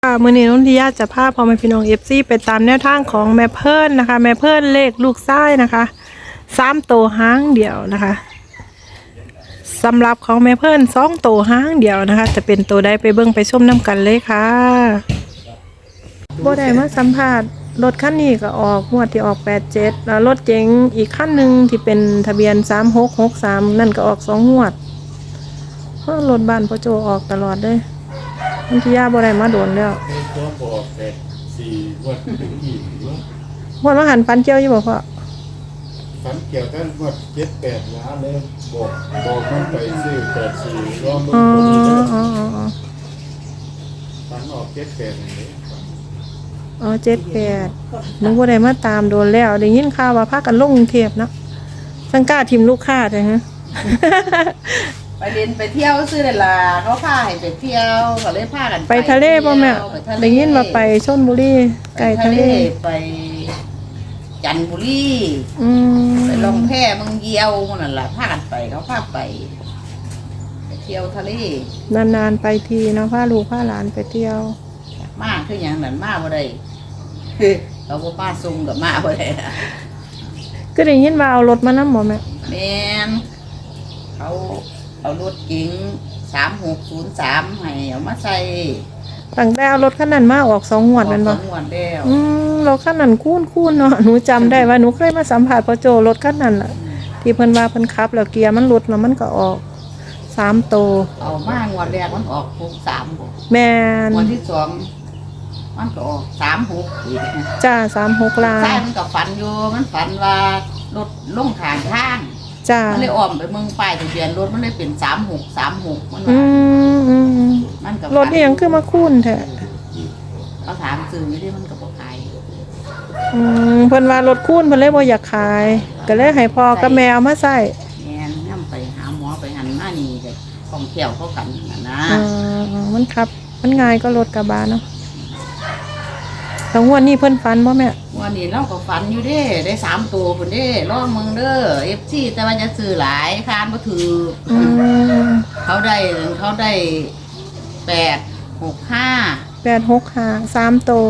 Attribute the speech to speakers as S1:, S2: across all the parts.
S1: มื้อนี้นนทิยาจะพาพ่อแม่พี่น้องFCไปตามแนวทางของแม่เพิ่นนะคะแม่เพิ่นเลขลูกชายนะคะ3ตัวหางเดียวนะคะสำหรับของแม่เพิ่น2ตัวหางเดียวนะคะจะเป็นตัวใดไปเบิ่งไปชมนํกันเลยค่ะบ่ได้มาสัมภาษณ์รถคันนี้ก็ออกงวดที่ออก87แล้วรถเก๋งอีกคันนึงที่เป็นทะเบียน3663นั่นก็ออก2งวดรถบ้านพ่อโจออกตลอดเลยนนทิยาบ่ได้มาโดนแล้ว
S2: ตัวบอกแต่4วันถึงอีก
S1: วันว่าหันฟันเจียวอยู่บ่พ่อ
S2: ฝันเกี่ยวกันว่า7-8ล้านเลยบอกมันไปซื้อ84รวมมือคนนี้ฝันออก7-8อย่างนี้
S1: 78นึกว่าได้มาตามโดนแล้วได้ยินข่าวว่าพากันลงกรุงเทพเนาะสังกาทีมลูกค้าใช่ฮะ
S3: ไปเรียนไปเที่ยวซื้อเลยล่ะเขาพาให้ไปเที่ยวก็เลยพากัน
S1: ไปทะเลป่ะแม่ได้ยินว่าไปชลบุรีไกลทะเล
S3: ไปจันทบุรีไปลงแพเมืองเยียวนั่นแหละพากันไปเขาพาไปเที่ยวทะเล
S1: นานๆไปทีเนาะพาลูกพาหลานไปเที่ยว
S3: มากคืออย่างนั้นมาบ่ได้เขาก็ป้าซุงกับมาบ่ได้
S1: ก็ได้ยินว่าเอารถมานำบ่แม่
S3: แม่นเขาเอารถเก๋ง3603ให้เอามาใส่
S1: ตั้งแต่เอารถคันนั้นมาออก2งวดแม่นบ่
S3: 2งวดแล้ว
S1: รถคันนั้นคุ้นๆเนาะหนูจำได้ว่าหนูเคยมาสัมภาษณ์พ่อโจรถคันนั้นน่ะที่เพิ่นว่าเพิ่นขับแล้วเกียร์มันหลุดแล้วมันก็ออก3ตัว
S3: เอามางวดแรกมันออก63บ่
S1: แม่น
S3: งวดที่2มันก็ออก36อีก
S1: จ้า36ล้าน
S3: ใช่มันก็ฝันอยู่มันฝันว่ารถลงข้างทาง
S1: จ้า
S3: มันเลยอ้อมไปเมืองป้ายทะเบียนรถมันเลยเป็น3636มัน
S1: มันก็รถนี่ยังคือมาคุ้นแท้
S3: เขาถามซื้อไม่ได้มันก็บ่ขาย
S1: เพิ่นว่ารถคุ้นเพิ่นเลยบ่อยากขายก็เลยให้พ่อกับแม่เอามาใช้
S3: แม่นนำไปหาหมอไปหันมานี่ก็ของเที่ยวเขากันนะ
S1: มันขับมันง่ายก็รถกระบะเนาะแล้วงวดนี้เพิ่นฝันบ่แม่
S3: วันนี้เราก็ฝันอยู่เด้ได้3ตัวพุ่นเด้รอมึงเด้อ FC แต่ว่าจะซื้อหลายคานบ่ถือเขาได้
S1: 865 3ตัว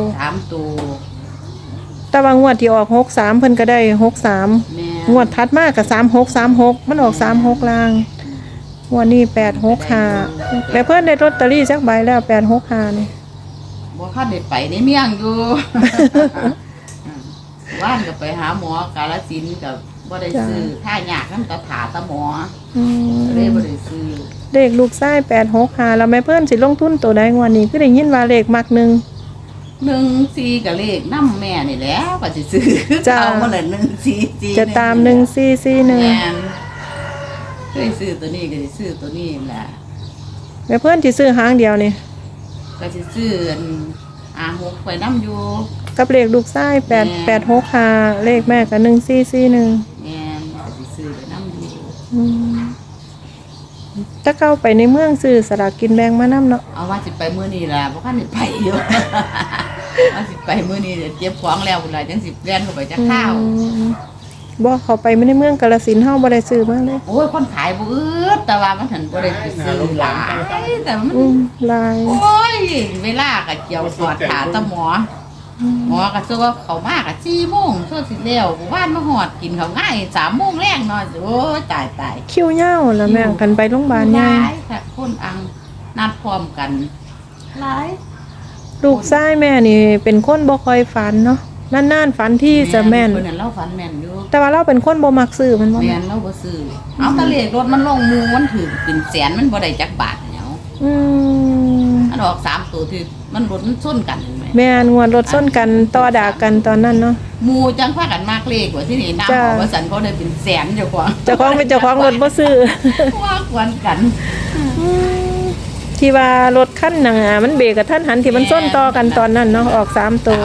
S1: แต่ว่างวดที่ออก63เพิ่นก็ได้63งวดถัดมาก็3636มันออก36ล่างงวดนี้865แล้วเพิ่นได้ลอตเตอรี่จักใบแล้ว865นี่
S3: บ่คันได้ไปในเมียงอยู่ว่านก็ไปหาหมอกาฬสินธุ์ก็บ่ได้ซื้อท่ายากนำตาถาตาหมอเลยบ่ได้ซื้อ
S1: เลขลูกชาย865แล้วแม่เพิ่นสิลงทุนตัวใดงวดนี้คือได้ยินว่าเลขมัก
S3: 14ก็เลขนำแม่นี่แหล้วก็สิซื้อเอามาละ144
S1: จะตาม1441แม่น
S3: เคยซื้อตัวนี้ก็สิซื้อตัวนี้แหละ
S1: แม่เพิ่นสิซื้อหางเดียวนี่
S3: ก็สิซื้อ6ไปนำอยู่
S1: กับเลขลูกชาย865เลขแม่ก็1441
S3: แม่นก็สิซื้อไปนำอยู่
S1: ถ้าเข้าไปในเมืองซื้อสลากกินแบ่งมานำเนาะ
S3: เอาว่าสิไปมื้อนี้ล่ะบ่คันได้ไปอยู่ว่าสิไปมื้อนี้เก็บของแล้วพุ่นล่ะจังสิแล่นเข้าไปจักข้าว
S1: บ่เข้าไปในเมืองกาฬสินธุ์เฮาบ่ได้ซื้อมาเลย
S3: โอ้ยคนขายบ่อึดแต่ว่ามันหันบ่ได้ไปซื้อหลายแต่มัน
S1: หลาย
S3: โอ้ยเวลาก็เกี่ยวสอดขาตะหมอก็ซัวเข้ามาก็4:00 นซัวสิแล้วบ้านมาฮอดกินข้าวง่าย3:00 นแลงเนาะโอ้ยตาย
S1: คิวยาวแล้วแม่งกันไปโรงพยาบาลใหญ่
S3: หลายค่ะคนอังนัดพร้อมกันหลาย
S1: ลูกชายแม่นี่เป็นคนบ่ค่อยฝันเนาะนานๆฝันที่จะแม่น
S3: เพิ่นน่ะเราฝันแม่นอยู่
S1: แต่ว่าเราเป็นคนบ่มักซื้อมันบ่
S3: แม่นเราบ่ซื้อเอาตะเลขรถมันลงมูมันถึงเป็นแสนมันบ่ได้จักบาทเนาะอันออก3ตัวที่มันรถมันชนกันแม่
S1: แม่นงวดรถชนกันต่อด่ากันตอนนั้นเนาะ
S3: หมู่จังพากันมากเลขว่าที่นี่นำว่าสันเขาได้เป็นแสนเจ้า
S1: ของเป็นเจ้าของรถบ่ซื้อ
S3: ว่าควนกัน
S1: ที่ว่ารถคันน่ะมันเบรกกับทันหันที่มันชนต่อกันตอนนั้นเนาะออก3ตัว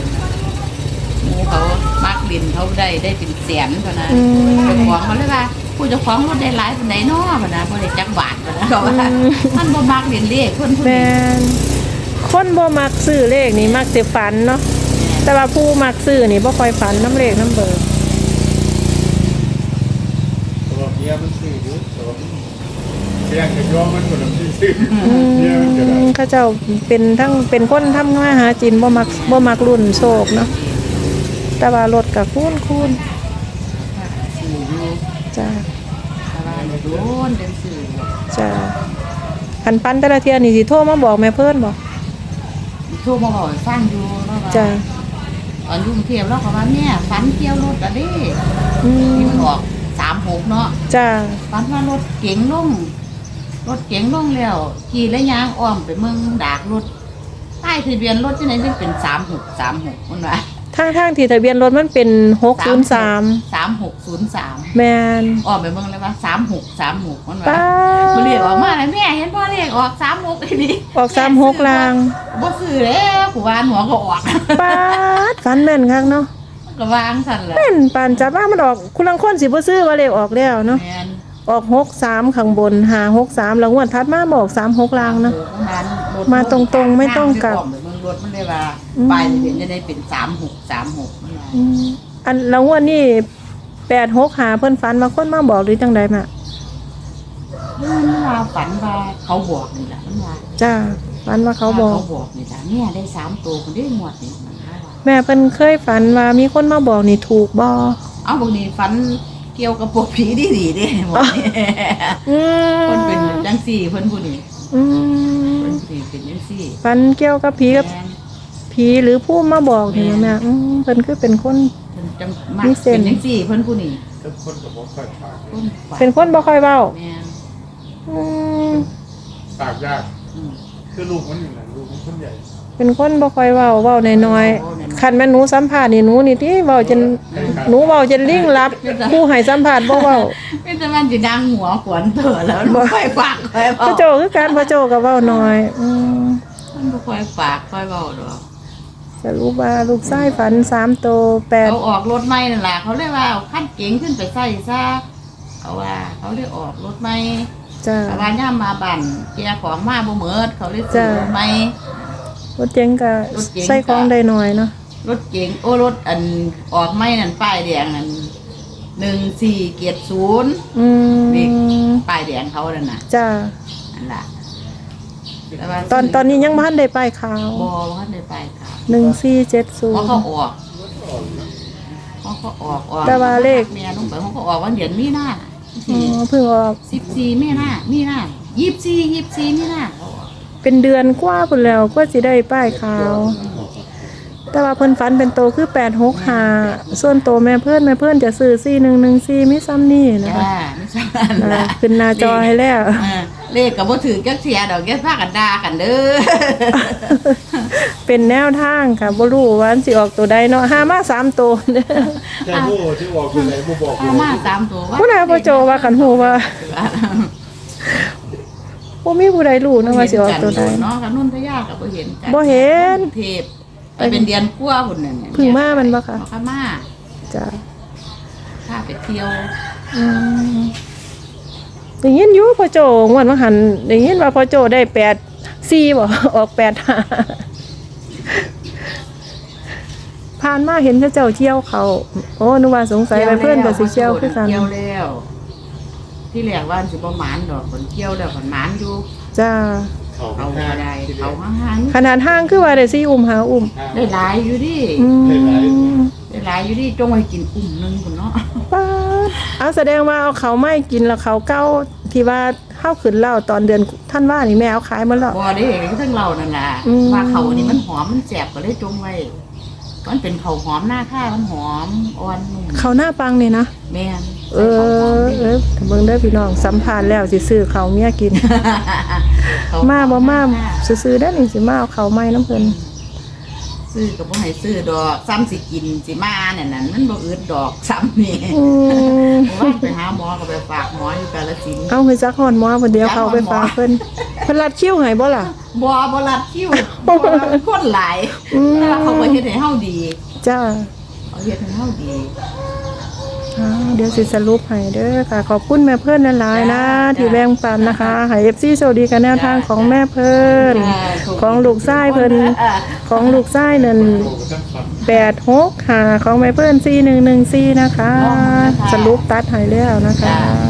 S3: เขามักลินเขาได้เป็นแสนเท่านั้นเจ้าของเขาเลยว่าผู้เจ้าของรถได้หลายปานใดเนาะนะบ่ได้จักบาทนะเพราะว่ามันบ่มักเล่นเลขคนผู้นี้
S1: คนบ่มักซื้อเลขนี่มักสิฝันเนาะแต่ว่าผู้มักซื้อนี่บ่ค่อยฝันน้ำเลขน้ำเบอร์
S2: ตัวเดียวมันซื้ออยู่ตัวเลี้ยงกับย้อมันก็ลำที่ซื้อเนี่ยมันก็ได้
S1: เขาเจ้าเป็นทั้งเป็นคนทำมาหาจินบ่มักรุ่นโศกเนาะแต่ว่ารถกับคูน
S3: สื่ออยู่
S1: จ้า
S3: แต่ว่าโดนเป็นสื่อ
S1: จ้าคันปันแต่ละเที่ยนี่สิโทรมาบอกแม่เพิ่นบ่
S3: โทรมาบอกให้ฟังอยู่แล้วว่า
S1: จ้า
S3: ตอนอยุ่กรุงเทพเราก็ว่าแม่ฝันเกี่ยวรถอะเด้
S1: อืม
S3: ที่มันออก36เนาะ
S1: จ้า
S3: ฝันว่ารถเก๋งลงแล้วขี่และยางอ้อมไปเมืองดากรถใต้ทะเบียนรถที่ไหนที่เป็น3636มันว่า
S1: ทางที่ทะเบียนรถมันเป็น603
S3: 3603
S1: แม่น
S3: อ้อมไปเมืองเลยว่า3636มันว่า
S1: ป้า
S3: มันเรียกออกมาแล้วแม่เห็นพ่อเรียกออก36ทีนี้
S1: ออก36ลาง
S3: บ่ซื้อแล้วกูวานหัวก็ออก
S1: ป้าดฝันแม่นคักเนาะ
S3: ก็วางสั่นแหละ
S1: แม่นปานจับว่ามันออกคุณลังคนสิบ่ซื้อว่าเลขออกแล้วเนาะ
S3: แม่น
S1: ออก63ข้างบน563แล้วงวดถัดมาบอก36ลางเนาะ มาตรงๆไม่ต้องกลับ
S3: เมืองรถมันได้ว่า
S1: อืม
S3: ไปเห็นจะได้เป็น3636มันว่า
S1: อืมอันแล้วงวดนี้865เพิ่นฝันมาคนมาบอกหรือจังใดมา
S3: มันว่าฝันว่าเขาบอกนี่แหละมันว่า
S1: จ้าฝันว่าเขาบอก
S3: เขาบอกนี่แหละเนี่ยได้3ตัวคนได้หมดนี่มันว่า
S1: แม่เพิ่นเคยฝันว่ามีคนมาบอกนี่ถูกบ่
S3: เอาบางทีฝันเกี่ยวกับพวกผีดีๆเด้หมดนี่
S1: อืม
S3: คนเป็นจังซี่เพิ่นผู้นี้
S1: อื
S3: เพิ่
S1: ม
S3: นสิเป็นจังซี่
S1: ฝันเกี่ยวกับผีกับ
S3: แม่น
S1: ผีหรือผู้มาบอกนี่แม่เพิ่นคือเป็นคน
S3: เพิ่นจังมัก
S1: มีเส้
S3: เป็น นจังซี่เพิ่นผู้นี้
S2: ทุกคนก็บอกค่อยปาก
S3: คนฝั
S1: เป็นคนบ่ค่อยเว้า
S3: แม่น
S1: อืม
S2: ปากยาก
S3: อืม
S2: คือลูกมันอยู่ไหนลูกมันคนใหญ่
S1: เป็นคนบ่ค่อยเว้าน้อยๆคันแม่นหนูสัมภาษณ์นี่หนูนี่ติเว้าจนหนูเว้าจนลิงลับผู้ให้สัมภาษณ์บ่เว้า
S3: เป็นแต่มันสิดังหัวขวนเถอะแล้วมันบ่ค่อยปากค่อย
S1: พ่
S3: เว้า
S1: อโจคือการพ่อโจก็เว้าน้อย
S3: มันบ่ค่อยปากค่อยเว้าดอก
S1: จะรู้ว่าลูกชายฝัน3โตว
S3: เขาออกรถใหม่นั่นล่ะเขาเลยว่าเอาคันเก๋งขึ้นไปใส่ซะเขาว่าเขาเลยออกรถใหม่
S1: 8จ้า
S3: แต่ว่าย่ามมาบั่นเกียร์ของมาบ่เหมิดเขาเลยซื้อ
S1: จ้ะ
S3: รถใหม่
S1: รถเจ๋งก็
S3: รถเก๋ง
S1: ใส่ของได้น้อยเนาะ
S3: รถเก๋งโอ้รถอันออกใหม่นั่นป้ายแดงนั่น1470
S1: อื
S3: นี่
S1: ม
S3: ป้ายแดงเขานั่นน่ะ
S1: จ้า
S3: นั่นล่ะแต่ว่า
S1: ตอนนี้ยังบ่ทันได้ป้ายขาว
S3: บ่ว่าได้ไปค่ะ
S1: 1470
S3: เพราะเขาออกออก
S1: แต่ว่าเลข
S3: เมียลงไปเขาก็ออกวันเดือนมีนา
S1: อ๋อเพิ่งออก
S3: 14มีนา24มีนาเขาออก
S1: เป็นเดือนกว่าพุ่นแล้วก็สิได้ป้ายขาว แต่ว่าเพิ่นฝันเป็นโตคือ865ส่วนโตแม่เพิ่นจะซื้อ4114มีซ้ำนี่นะ
S3: จ้า
S1: คะ
S3: ไม่ใช่นั่นล่ะ
S1: ขึ้นหน้าจอให้แล้ว
S3: เลขก็บ่ถือจักเสียดอกแกพากันด่ากันเด้อ
S1: เป็นแนวทางค่ะบ่รู้ว่าอันสิออกตัวใดเนาะหามา3ตัวเด้อ
S2: แต่ผู้ที่ออกอยู่ไหนผู้บอกอยู่
S3: เอา
S2: ไหน
S3: มา3ตัว
S1: ผู้ใดบ่โจว่ากันฮู้ว่าบ่มีผู้ใดรู้นะว่าสิออกตัวใด
S3: เนาะกับนุ่นทยาก็บ่เห็นกัน
S1: บ่เห็น
S3: เทพไปเป็นเดือนกว่าพุ่นนั่นเนี่ย
S1: เพิ่งมามันบ่คะ
S3: มามา
S1: จ้ะ
S3: ถ้าไปเที่ยว
S1: อืมได้ยินอยู่พ่อโจงวดว่าหันได้ยินว่าพ่อโจได้84บ่ออก85ผ่านมาเห็นเขาเจ้าเที่ยวเขาโอ้นึกว่าสงสัยไปเพิ่นก็สิเที่ยวคือกัน
S3: เที่ยวแล้ว ที่แรกว่าสิบ่หมานดอกคนเที่ยวแล้วคนหมานอยู่
S1: จ้า
S2: เขา
S3: เอา
S2: ไม่
S3: ก็
S2: ได้
S3: ได้เอาห่าง
S1: ขนาดห้างคือว่าได้4อุ้มหาอุ้ม
S3: ๆได้หลายอยู่ดิ
S1: อืม
S3: ได้หลายอยู่ดิจงไว้กินอุ่มหนึงพุ่นเนาะ
S1: ป้าดเอาแสดงว่าเอาเขาไม่กินแล้วเขาเก้าที่ว่าเข้าขึ้นเหล้าตอนเดือนท่านว่านี่แม่เอาขายหมาแล้ว
S3: บ่ได้ทั้งเรานั่นล่ะ
S1: อืม
S3: ว่าเขานี่มันหอมมันแซ่บก็เลยจงไว้มันเป็นเขาหอมหน้าข้ามันหอมอ่อนนุ่ม
S1: เขาหน้าปังนี่นะ
S3: แม่น
S1: เออถ้าเบิ่งได้อพี่น้องสัมภาษณ์แล้วสิซื้อเขาวเมียกิน
S3: เข
S1: มาบ่มา
S3: หน้ข้
S1: ซื้อๆได้อนี่สิมาเอาเขาวใหม่น้ำเพิ่น
S3: ซื้อก็บ่ให้ซื้อดอกซ้ำสิกินสิมาเนี่ยนั่นมันบ่อึดดอกซ้ำนี่
S1: อืม
S3: ว่าไปหาหมอก็ไปฝากหมออยู่กาฬสินธุ์
S1: เอาคือจักฮอนหมอเพิ่นเดียวเขาไปฝากเพิ่นเพิ่นรัดคิ้วให้บ่ล่ะ
S3: บ่รัดคิวบ่คนหลาย
S1: อืม
S3: แต่ว่าเขาก็เฮ็ดให้เฮาดี
S1: จ้า
S3: เขาเฮ็ดให้เฮาดี
S1: เดี๋ยวสิสรุปให้เด้อค่ะ ขอบคุณแม่เพิ่นหลายๆนะ ที่แบ่งปันนะคะให้ FC โชคดีกันแนวทางของแม่เพิ่นของลูกชายเพิ่นของลูกชายนั่น
S2: โอ้ก็ต้องฟัง
S1: 865ของแม่เพิ่น4114นะคะ สรุปตัดให้แล้วนะคะ